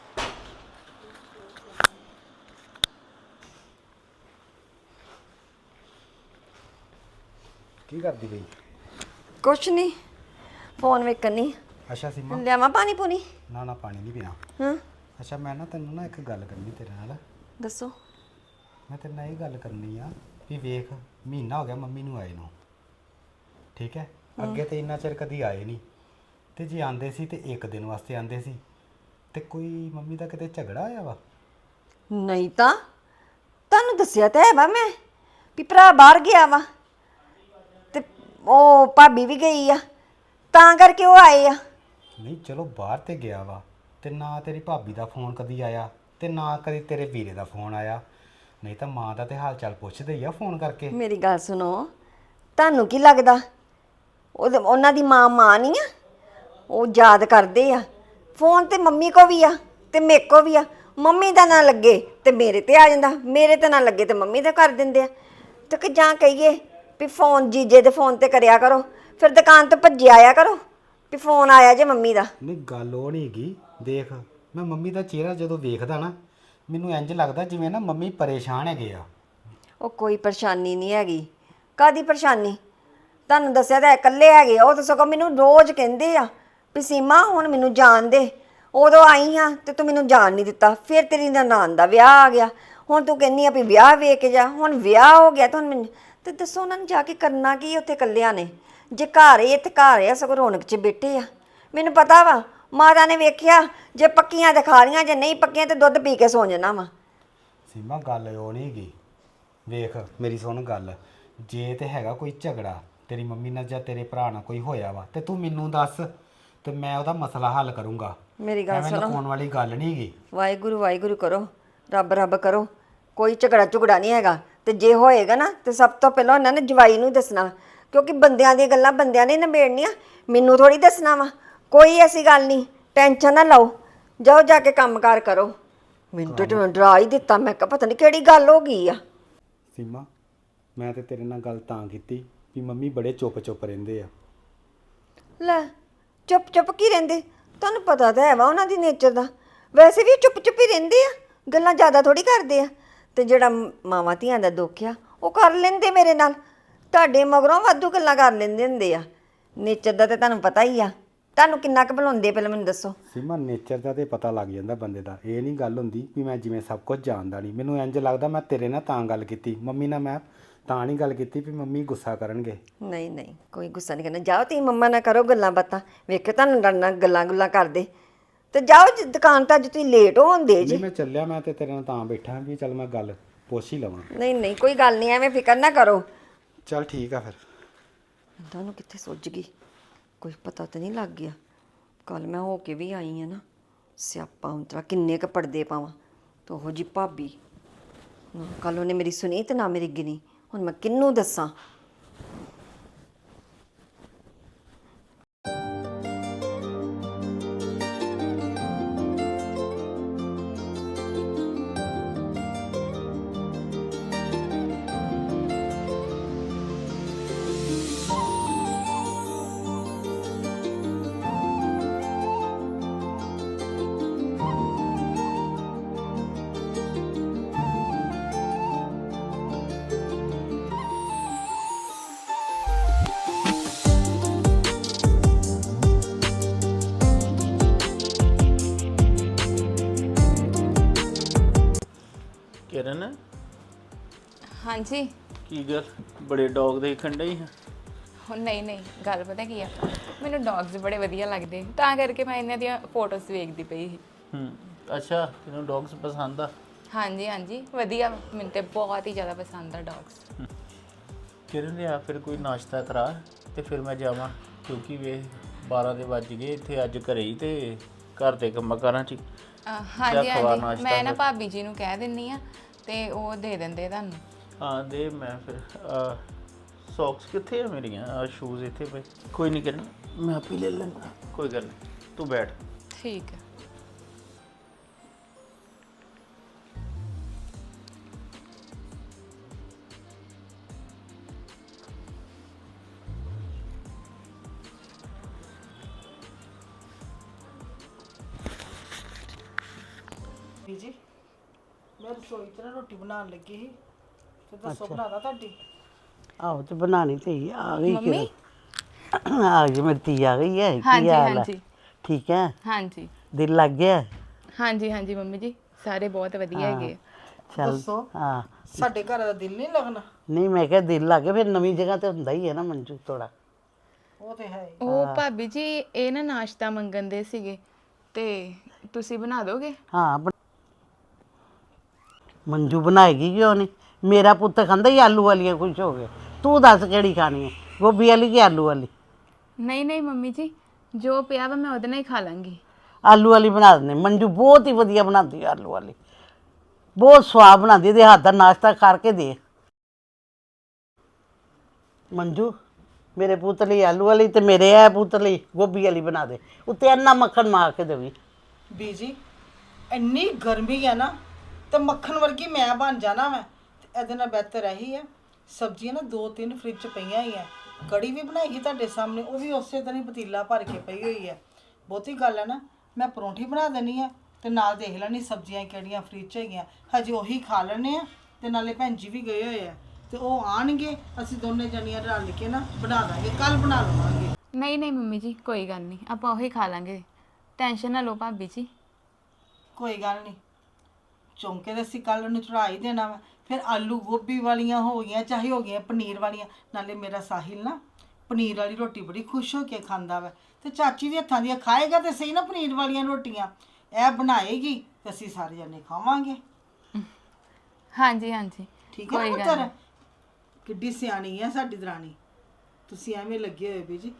Speaker 8: ਕੀ ਕਰਦੀ ਪਈ?
Speaker 9: ਕੁਛ ਨਹੀਂ, ਫੋਨ ਵੇਖਣੀ।
Speaker 8: ਅੱਛਾ ਸੀਮਾ,
Speaker 9: ਲਿਆਵਾਂ ਪਾਣੀ ਪੂਣੀ?
Speaker 8: ਨਾ ਨਾ ਪਾਣੀ ਨਹੀਂ ਪੀਣਾ।
Speaker 9: ਹਾਂ
Speaker 8: ਅੱਛਾ ਮੈਂ ਨਾ ਤੈਨੂੰ ਨਾ ਇੱਕ ਗੱਲ ਕਰਨੀ ਤੇਰੇ ਨਾਲ।
Speaker 9: ਦੱਸੋ।
Speaker 8: ਮੈਂ ਤੇਰੇ ਨਾਲ ਇਹ ਗੱਲ ਕਰਨੀ ਆ ਵੀ ਵੇਖ, ਮਹੀਨਾ ਹੋ ਗਿਆ ਮੰਮੀ ਨੂੰ ਆਏ ਨੂੰ, ਠੀਕ ਹੈ? ਅੱਗੇ ਤੇ ਇੰਨਾ ਚਿਰ ਕਦੀ ਆਏ ਨਹੀਂ, ਤੇ ਜੇ ਆਂਦੇ ਸੀ ਤੇ ਇੱਕ ਦਿਨ ਵਾਸਤੇ ਆਂਦੇ ਸੀ। ਤੇ ਕੋਈ ਮੰਮੀ ਦਾ ਕਿਤੇ ਝਗੜਾ ਆਇਆ ਵਾ?
Speaker 9: ਨਹੀਂ ਤਾਂ ਤੁਹਾਨੂੰ ਦੱਸਿਆ ਤਾਂ ਹੈ ਵਾ ਮੈਂ ਵੀ ਭਰਾ ਬਾਹਰ ਗਿਆ ਵਾ, ਤੇ ਉਹ ਭਾਬੀ ਵੀ ਗਈ ਆ, ਤਾਂ ਕਰਕੇ ਉਹ ਆਏ ਆ।
Speaker 8: ਨਹੀਂ ਚਲੋ ਬਾਹਰ ਤੇ ਗਿਆ ਵਾ, ਤੇ ਨਾ ਤੇਰੀ ਭਾਬੀ ਦਾ ਫੋਨ ਕਦੀ ਆਇਆ, ਤੇ ਨਾ ਕਦੀ ਤੇਰੇ ਵੀਰੇ ਦਾ ਫੋਨ ਆਇਆ। ਨਹੀਂ ਤਾਂ ਮਾਂ ਦਾ ਤੇ ਹਾਲ ਚਾਲ ਪੁੱਛਦੇ ਹੀ ਆ ਫੋਨ ਕਰਕੇ।
Speaker 9: ਮੇਰੀ ਗੱਲ ਸੁਣੋ, ਤੁਹਾਨੂੰ ਕੀ ਲੱਗਦਾ ਉਹਦੇ ਉਹਨਾਂ ਦੀ ਮਾਂ ਮਾਂ ਨਹੀਂ ਆ? ਉਹ ਯਾਦ ਕਰਦੇ ਆ। ਫੋਨ ਤੇ ਮੰਮੀ ਕੋ ਵੀ ਆ ਤੇ ਮੇਰੇ ਕੋ ਵੀ ਆ। ਮੰਮੀ ਦਾ ਨਾ ਲੱਗੇ ਤੇ ਮੇਰੇ ਤੇ ਆ ਜਾਂਦਾ, ਮੇਰੇ ਤੇ ਨਾ ਲੱਗੇ ਤੇ ਮੰਮੀ ਦਾ ਕਰ ਦਿੰਦੇ ਆ। ਤੇ ਕਿ ਜਾਂ ਕਹੀਏ ਵੀ ਫੋਨ ਜੀਜੇ ਦੇ ਫੋਨ ਤੇ ਕਰਿਆ ਕਰੋ, ਫਿਰ ਦੁਕਾਨ ਤੋਂ ਭੱਜੇ ਆਇਆ ਕਰੋ ਵੀ ਫੋਨ ਆਇਆ ਜੇ ਮੰਮੀ ਦਾ।
Speaker 8: ਨਹੀਂ ਗੱਲ ਉਹ ਨਹੀਂ ਹੈਗੀ। ਦੇਖ, ਮੈਂ ਮੰਮੀ ਦਾ ਚਿਹਰਾ ਜਦੋਂ ਵੇਖਦਾ ਨਾ, ਮੈਨੂੰ ਇੰਜ ਲੱਗਦਾ ਜਿਵੇਂ ਨਾ ਮੰਮੀ ਪਰੇਸ਼ਾਨ ਹੈਗੇ ਆ।
Speaker 9: ਉਹ ਕੋਈ ਪਰੇਸ਼ਾਨੀ ਨਹੀਂ ਹੈਗੀ। ਕਾਹਦੀ ਪਰੇਸ਼ਾਨੀ? ਤੁਹਾਨੂੰ ਦੱਸਿਆ ਤਾਂ ਇਕੱਲੇ ਹੈਗੇ ਆ। ਉਹ ਤਾਂ ਸਗੋਂ ਮੈਨੂੰ ਰੋਜ਼ ਕਹਿੰਦੇ ਆ ਵੀ ਸੀਮਾ ਹੁਣ ਮੈਨੂੰ ਜਾਣ ਦੇ। ਉਦੋਂ ਆਈ ਹਾਂ ਤੇ ਤੂੰ ਮੈਨੂੰ ਜਾਣ ਨਹੀਂ ਦਿੱਤਾ, ਫਿਰ ਤੇਰੀ ਨਨਾਣ ਦਾ ਵਿਆਹ ਆ ਗਿਆ, ਹੁਣ ਤੂੰ ਕਹਿੰਦੀ ਆ ਵੀ ਵਿਆਹ ਵੇਖ ਕੇ ਜਾ। ਹੁਣ ਵਿਆਹ ਹੋ ਗਿਆ ਤਾਂ ਹੁਣ ਮੈਨੂੰ ਤੇ ਦੱਸੋ ਉਹਨਾਂ ਨੇ ਜਾ ਕੇ ਕਰਨਾ ਕੀ ਉੱਥੇ ਇਕੱਲਿਆਂ ਨੇ? ਜੇ ਘਰ ਹੀ ਇੱਥੇ ਘਰ ਆ, ਸਗੋਂ ਰੌਣਕ 'ਚ ਬੈਠੇ ਆ। ਮੈਨੂੰ ਪਤਾ ਵਾ, ਮਾਤਾ ਨੇ ਵੇਖਿਆ ਜੇ ਪੱਕੀਆਂ ਤੇ ਖਾ ਲੀਆਂ, ਜੇ ਨਹੀਂ ਪੱਕੀਆਂ ਤੇ ਦੁੱਧ ਪੀ ਕੇ ਸੌਂ ਜਾਣਾ ਵਾ।
Speaker 8: ਸੀਮਾ ਗੱਲ ਉਹ ਨਹੀਂ ਹੈਗੀ। ਵੇਖ ਮੇਰੀ ਸੁਣ ਗੱਲ, ਜੇ ਤੇ ਹੈਗਾ ਕੋਈ ਝਗੜਾ ਤੇਰੀ ਮੰਮੀ ਨਾਲ ਜਾਂ ਤੇਰੇ ਭਰਾ ਨਾਲ ਕੋਈ ਹੋਇਆ ਵਾ, ਤੇ ਤੂੰ ਮੈਨੂੰ ਦੱਸ ਤੇ ਮੈਂ ਉਹਦਾ ਮਸਲਾ ਹੱਲ ਕਰੂੰਗਾ।
Speaker 9: ਮੇਰੀ ਗੱਲ
Speaker 8: ਐਵੇਂ
Speaker 9: ਸੁਣੋ,
Speaker 8: ਲੁਕਾਉਣ ਵਾਲੀ ਗੱਲ ਨਹੀਂ ਹੈਗੀ।
Speaker 9: ਵਾਹਿਗੁਰੂ ਵਾਹਿਗੁਰੂ ਕਰੋ, ਰੱਬ ਰੱਬ ਕਰੋ। ਕੋਈ ਝਗੜਾ ਝੁਗੜਾ ਨਹੀਂ ਹੈਗਾ, ਤੇ ਜੇ ਹੋਏਗਾ ਨਾ ਤੇ ਸਭ ਤੋਂ ਪਹਿਲਾਂ ਉਹਨਾਂ ਨੇ ਜਵਾਈ ਨੂੰ ਦੱਸਣਾ, ਕਿਉਂਕਿ ਬੰਦਿਆਂ ਦੀਆਂ ਗੱਲਾਂ ਬੰਦਿਆਂ ਨੇ ਨਿਬੇੜਨੀਆਂ, ਮੈਨੂੰ ਥੋੜੀ ਦੱਸਣਾ ਵਾ। ਕੋਈ ਐਸੀ ਗੱਲ ਨਹੀਂ, ਟੈਨਸ਼ਨ ਨਾ ਲਓ, ਜਾਓ ਜਾ ਕੇ ਕੰਮਕਾਰ ਕਰੋ। ਮੈਨੂੰ ਤਾਂ ਤੁਹਾਨੂੰ ਡਰਾ ਹੀ ਦਿੱਤਾ। ਮੈਂ ਕਿਹਾ ਪਤਾ ਨਹੀਂ ਕਿਹੜੀ ਗੱਲ ਹੋ ਗਈ ਆ।
Speaker 8: ਸੀਮਾ, ਮੈਂ ਤੇ ਤੇਰੇ ਨਾਲ ਗੱਲ ਤਾਂ ਕੀਤੀ ਵੀ ਮੰਮੀ ਬੜੇ ਚੁੱਪ ਚੁੱਪ ਰਹਿੰਦੇ ਆ।
Speaker 9: ਲੈ ਚੁੱਪ ਚੁੱਪ ਕੀ ਰਹਿੰਦੇ? ਤੁਹਾਨੂੰ ਪਤਾ ਤਾਂ ਹੈ ਵਾ ਉਹਨਾਂ ਦੀ ਨੇਚਰ ਦਾ। ਵੈਸੇ ਵੀ ਚੁੱਪ ਚੁੱਪ ਹੀ ਰਹਿੰਦੇ ਆ, ਗੱਲਾਂ ਜ਼ਿਆਦਾ ਥੋੜੀ ਕਰਦੇ ਆ। ਤੇ ਜਿਹੜਾ ਮਾਵਾਂ ਧੀਆਂ ਦਾ ਦੁੱਖ ਆ ਉਹ ਕਰ ਲੈਂਦੇ ਮੇਰੇ ਨਾਲ। ਤੁਹਾਡੇ ਮਗਰੋਂ ਵਾਧੂ ਗੱਲਾਂ ਕਰ ਲੈਂਦੇ ਹੁੰਦੇ ਆ। ਨੇਚਰ ਦਾ ਤਾਂ ਤੁਹਾਨੂੰ ਪਤਾ ਹੀ ਆ। ਤੁਹਾਨੂੰ ਕਿੰਨਾ ਕੁ ਬੁਲਾਉਂਦੇ ਪਹਿਲਾਂ ਮੈਨੂੰ ਦੱਸੋ।
Speaker 8: ਸੀਮਾ ਨੇਚਰ ਦਾ ਤੇ ਪਤਾ ਲੱਗ ਜਾਂਦਾ ਬੰਦੇ ਦਾ। ਇਹ ਨਹੀਂ ਗੱਲ ਹੁੰਦੀ ਵੀ ਮੈਂ ਜਿਵੇਂ ਸਭ ਕੁਝ ਜਾਣਦਾ ਨਹੀਂ। ਮੈਨੂੰ ਇੰਜ ਲੱਗਦਾ ਮੈਂ ਤੇਰੇ ਨਾਲ ਤਾਂ ਗੱਲ ਕੀਤੀ, ਮੰਮੀ ਨਾਲ ਮੈਂ ਤਾਂ ਨਹੀਂ ਗੱਲ ਕੀਤੀ ਵੀ ਮੰਮੀ ਗੁੱਸਾ ਕਰਨਗੇ।
Speaker 9: ਨਹੀਂ ਨਹੀਂ, ਕੋਈ ਗੁੱਸਾ ਨਹੀਂ ਕਰਨਾ। ਜਾਓ ਤੁਸੀਂ ਮੰਮਾ ਨਾਲ ਕਰੋ ਗੱਲਾਂ ਬਾਤਾਂ, ਵੇਖੋ ਤੁਹਾਨੂੰ ਲੜਨਾ ਗੱਲਾਂ ਗੁੱਲਾਂ ਕਰਦੇ। ਤੇ ਜਾਓ ਜੀ ਦੁਕਾਨ ਤਾਂ ਅੱਜ ਤੁਸੀਂ ਲੇਟ ਹੋਣਦੇ ਜੀ।
Speaker 8: ਨਹੀਂ ਮੈਂ ਚੱਲਿਆ, ਮੈਂ ਤੇ ਤੇਰੇ ਨਾਲ ਤਾਂ ਬੈਠਾ ਵੀ ਚੱਲ ਮੈਂ ਗੱਲ ਪੁੱਛ ਹੀ ਲਵਾਂ।
Speaker 9: ਨਹੀਂ ਨਹੀਂ ਕੋਈ ਗੱਲ ਨਹੀਂ, ਐਵੇਂ ਫਿਕਰ ਨਾ ਕਰੋ।
Speaker 8: ਚੱਲ ਠੀਕ ਆ ਫਿਰ।
Speaker 9: ਤੁਹਾਨੂੰ ਕਿੱਥੇ ਸੁੱਝ ਗਈ, ਕੋਈ ਪਤਾ ਤਾਂ ਨਹੀਂ ਲੱਗ ਗਿਆ। ਕੱਲ ਮੈਂ ਹੋ ਕੇ ਵੀ ਆਈ ਆ ਨਾ, ਸਿਆਪਾ ਉਂਤਰਾ ਕਿੰਨੇ ਕ ਪਰਦੇ ਪਾਵਾਂ ਤੇ ਉਹੋ ਜੀ ਭਾਬੀ। ਕੱਲ ਉਹਨੇ ਮੇਰੀ ਸੁਣੀ ਤੇ ਨਾ ਮੇਰੀ ਗਿਣੀ। ਹੁਣ ਮੈਂ ਕਿਹਨੂੰ ਦੱਸਾਂ?
Speaker 3: ਕਿਰਨ
Speaker 4: ਹਾਂਜੀ।
Speaker 3: ਕੀ ਗੱਲ ਬੜੇ ਡੌਗ ਦੇਖਣ ਡਈ ਹਾਂ?
Speaker 4: ਹੁਣ ਨਹੀਂ ਨਹੀਂ ਗੱਲ ਪਤਾ ਕੀ ਆ, ਮੈਨੂੰ ਡੌਗਸ ਬੜੇ ਵਧੀਆ ਲੱਗਦੇ ਤਾਂ ਕਰਕੇ ਮੈਂ ਇਹਨਾਂ ਦੀਆਂ ਫੋਟੋਜ਼ ਵੇਖਦੀ ਪਈ ਸੀ।
Speaker 3: ਹੂੰ ਅੱਛਾ, ਤੈਨੂੰ ਡੌਗਸ ਪਸੰਦ ਆ?
Speaker 4: ਹਾਂਜੀ ਹਾਂਜੀ ਵਧੀਆ, ਮੈਨੂੰ ਤੇ ਬਹੁਤ ਹੀ ਜ਼ਿਆਦਾ ਪਸੰਦ ਆ ਡੌਗਸ।
Speaker 3: ਕਿਰਨ ਲਿਆ ਫਿਰ ਕੋਈ ਨਾਸ਼ਤਾ ਕਰਾ ਤੇ ਫਿਰ ਮੈਂ ਜਾਵਾਂ, ਕਿਉਂਕਿ ਵੇ ਬਾਰਾਂ ਦੇ ਵੱਜ ਗਏ ਇੱਥੇ ਅੱਜ ਘਰੇ ਹੀ ਤੇ ਘਰ ਦੇ ਕੰਮਾਂ ਕਾਰਾਂ 'ਚ ਹੀ।
Speaker 4: ਹਾਂਜੀ
Speaker 3: ਖਵਾ
Speaker 4: ਹਾਂਜੀ
Speaker 3: ਨਾਸ਼ਤਾ
Speaker 4: ਮੈਂ ਨਾ
Speaker 3: ਫਿਰ।
Speaker 4: ਭਾਬੀ ਜੀ ਨੂੰ ਕਹਿ ਦਿੰਨੀ ਆ ਤੇ ਉਹ ਦੇ ਦਿੰਦੇ ਤੁਹਾਨੂੰ।
Speaker 3: ਹਾਂ ਦੇ, ਮੈਂ ਫਿਰ ਸੌਕਸ ਕਿੱਥੇ ਆ ਮੇਰੀਆਂ? ਆ ਸ਼ੂਜ਼ ਇੱਥੇ ਪਏ। ਕੋਈ ਨਹੀਂ ਕਿਰਨ, ਮੈਂ ਆਪੇ ਲੈ ਲੈਂਦਾ, ਕੋਈ ਗੱਲ ਨਹੀਂ, ਤੂੰ ਬੈਠ।
Speaker 4: ਠੀਕ ਹੈ।
Speaker 1: ਬੀਜੀ ਮੈਂ ਰਸੋਈ 'ਚ ਨਾ ਰੋਟੀ ਬਣਾਉਣ ਲੱਗੀ ਸੀ ਤੇ ਦੱਸੋ ਬਣਾਦਾ ਤੁਹਾਡੀ?
Speaker 2: ਆਹੋ ਤੇ ਬਣਾਣੀ ਤੇ ਹੀ ਆ ਗਈ
Speaker 4: ਮੰਮੀ?
Speaker 2: ਕਿਰਨ ਆ ਗਈ, ਮੇਰੀ ਧੀ ਆ ਗਈ ਹੈ। ਕੀ
Speaker 4: ਹਾਂਜੀ
Speaker 2: ਹਾਲ ਹੈ?
Speaker 4: ਹਾਂਜੀ
Speaker 2: ਠੀਕ ਹੈ?
Speaker 4: ਹਾਂਜੀ
Speaker 2: ਦਿਲ ਲੱਗ ਗਿਆ?
Speaker 4: ਹਾਂਜੀ ਹਾਂਜੀ ਮੰਮੀ ਜੀ ਸਾਰੇ ਬਹੁਤ ਵਧੀਆ ਹੈਗੇ ਆ।
Speaker 2: ਚੱਲ
Speaker 1: ਦੱਸੋ।
Speaker 2: ਹਾਂ,
Speaker 1: ਸਾਡੇ ਘਰ ਦਾ ਦਿਲ ਨਹੀਂ ਲੱਗਣਾ?
Speaker 2: ਨਹੀਂ ਮੈਂ ਕਿਹਾ ਦਿਲ ਲੱਗ ਗਿਆ, ਫਿਰ ਨਵੀਂ ਜਗ੍ਹਾ ਤੇ ਹੁੰਦਾ ਹੀ ਹੈ ਨਾ ਮੰਜੂ ਥੋੜਾ।
Speaker 1: ਉਹ ਤੇ ਹੈ ਹੀ।
Speaker 4: ਉਹ ਭਾਬੀ ਜੀ ਇਹ ਨਾ ਨਾਸ਼ਤਾ ਮੰਗਣ ਦੇ ਸੀਗੇ ਤੇ ਤੁਸੀਂ ਬਣਾ ਦੋਗੇ?
Speaker 2: ਹਾਂ ਬਣ- ਮੰਜੂ ਬਣਾਏਗੀ ਕਿਉਂ ਨਹੀਂ? ਮੇਰਾ ਪੁੱਤ ਖਾਂਦਾ ਹੀ ਆਲੂ ਵਾਲੀਆਂ ਖੁਸ਼ ਹੋ ਗਏ। ਤੂੰ ਦੱਸ ਕਿਹੜੀ ਖਾਣੀ ਹੈ, ਗੋਭੀ ਵਾਲੀ ਕਿ ਆਲੂ ਵਾਲੀ?
Speaker 4: ਨਹੀਂ ਨਹੀਂ ਮੰਮੀ ਜੀ ਜੋ ਪਿਆ ਵਾ ਮੈਂ ਉਹਦੇ ਨਾਲ ਹੀ ਖਾ ਲਾਂਗੀ।
Speaker 2: ਆਲੂ ਵਾਲੀ ਬਣਾ ਦਿੰਦੇ। ਮੰਜੂ ਬਹੁਤ ਹੀ ਵਧੀਆ ਬਣਾਉਂਦੀ ਹੈ ਆਲੂ ਵਾਲੀ, ਬਹੁਤ ਸਵਾਦ ਬਣਾਉਂਦੀ। ਇਹਦੇ ਹੱਥ ਦਾ ਨਾਸ਼ਤਾ ਕਰਕੇ ਦੇ ਮੰਜੂ। ਮੇਰੇ ਪੁੱਤ ਲਈ ਆਲੂ ਵਾਲੀ ਤੇ ਮੇਰੇ ਇਹ ਪੁੱਤ ਲਈ ਗੋਭੀ ਵਾਲੀ ਬਣਾ ਦੇ, ਉੱਤੇ ਇੰਨਾ ਮੱਖਣ ਮਾਰ ਕੇ ਦੇਵੀ।
Speaker 1: ਬੀਜੀ ਇੰਨੀ ਗਰਮੀ ਹੈ ਨਾ ਤੇ ਮੱਖਣ ਵਰਗੀ ਮੈਂ ਬਣ ਜਾਣਾ ਮੈਂ ਤੇ ਇਹਦੇ ਨਾਲ ਬਿਹਤਰ ਇਹੀ ਹੈ ਸਬਜ਼ੀਆਂ ਨਾ ਦੋ ਤਿੰਨ ਫ੍ਰਿਜ 'ਚ ਪਈਆਂ ਹੀ ਆ। ਕੜੀ ਵੀ ਬਣਾਈ ਸੀ ਤੁਹਾਡੇ ਸਾਹਮਣੇ, ਉਹ ਵੀ ਉਸੇ ਤਰ੍ਹਾਂ ਹੀ ਪਤੀਲਾ ਭਰ ਕੇ ਪਈ ਹੋਈ ਹੈ। ਬਹੁਤੀ ਗੱਲ ਹੈ ਨਾ, ਮੈਂ ਪਰੌਂਠੀ ਬਣਾ ਦੇਣੀ ਆ ਤੇ ਨਾਲ ਦੇਖ ਲੈਣੀ ਸਬਜ਼ੀਆਂ ਕਿਹੜੀਆਂ ਫ੍ਰਿਜ 'ਚ ਹੈਗੀਆਂ, ਹਜੇ ਉਹੀ ਖਾ ਲੈਣੇ ਆ। ਤੇ ਨਾਲੇ ਭੈਣ ਜੀ ਵੀ ਗਏ ਹੋਏ ਆ ਤੇ ਉਹ ਆਣਗੇ, ਅਸੀਂ ਦੋਨੇ ਜਣੀਆਂ ਰਲ ਕੇ ਨਾ ਬਣਾ ਦਾਂਗੇ, ਕੱਲ ਬਣਾ ਲਵਾਂਗੇ।
Speaker 4: ਨਹੀਂ ਨਹੀਂ ਮੰਮੀ ਜੀ ਕੋਈ ਗੱਲ ਨਹੀਂ, ਆਪਾਂ ਉਹੀ ਖਾ ਲਾਂਗੇ, ਟੈਨਸ਼ਨ ਨਾ ਲਓ ਭਾਬੀ ਜੀ।
Speaker 1: ਕੋਈ ਗੱਲ ਨਹੀਂ, ਚੌਂਕੇ ਦੇ ਅਸੀਂ ਕੱਲ ਨੂੰ ਚੜਾ ਹੀ ਦੇਣਾ ਵਾ। ਫਿਰ ਆਲੂ ਗੋਭੀ ਵਾਲੀਆਂ ਹੋ ਗਈਆਂ ਚਾਹੇ ਹੋ ਗਈਆਂ ਪਨੀਰ ਵਾਲੀਆਂ। ਨਾਲੇ ਮੇਰਾ ਸਾਹਿਲ ਨਾ ਪਨੀਰ ਵਾਲੀ ਰੋਟੀ ਬੜੀ ਖੁਸ਼ ਹੋ ਕੇ ਖਾਂਦਾ ਵਾ ਤੇ ਚਾਚੀ ਵੀ ਹੱਥਾਂ ਦੀਆਂ ਖਾਏਗਾ ਤੇ ਸਹੀ ਨਾ ਪਨੀਰ ਵਾਲੀਆਂ ਰੋਟੀਆਂ। ਇਹ ਬਣਾਏਗੀ ਤੇ ਅਸੀਂ ਸਾਰੇ ਜਣੇ ਖਾਵਾਂਗੇ।
Speaker 4: ਹਾਂਜੀ ਹਾਂਜੀ
Speaker 1: ਠੀਕ ਹੈ ਨਾ ਪੁੱਤਰ? ਕਿੱਡੀ ਸਿਆਣੀ ਹੈ ਸਾਡੀ ਦਰਾਣੀ। ਤੁਸੀਂ ਐਵੇਂ ਲੱਗੇ ਹੋਏ ਵੀ ਜੀ।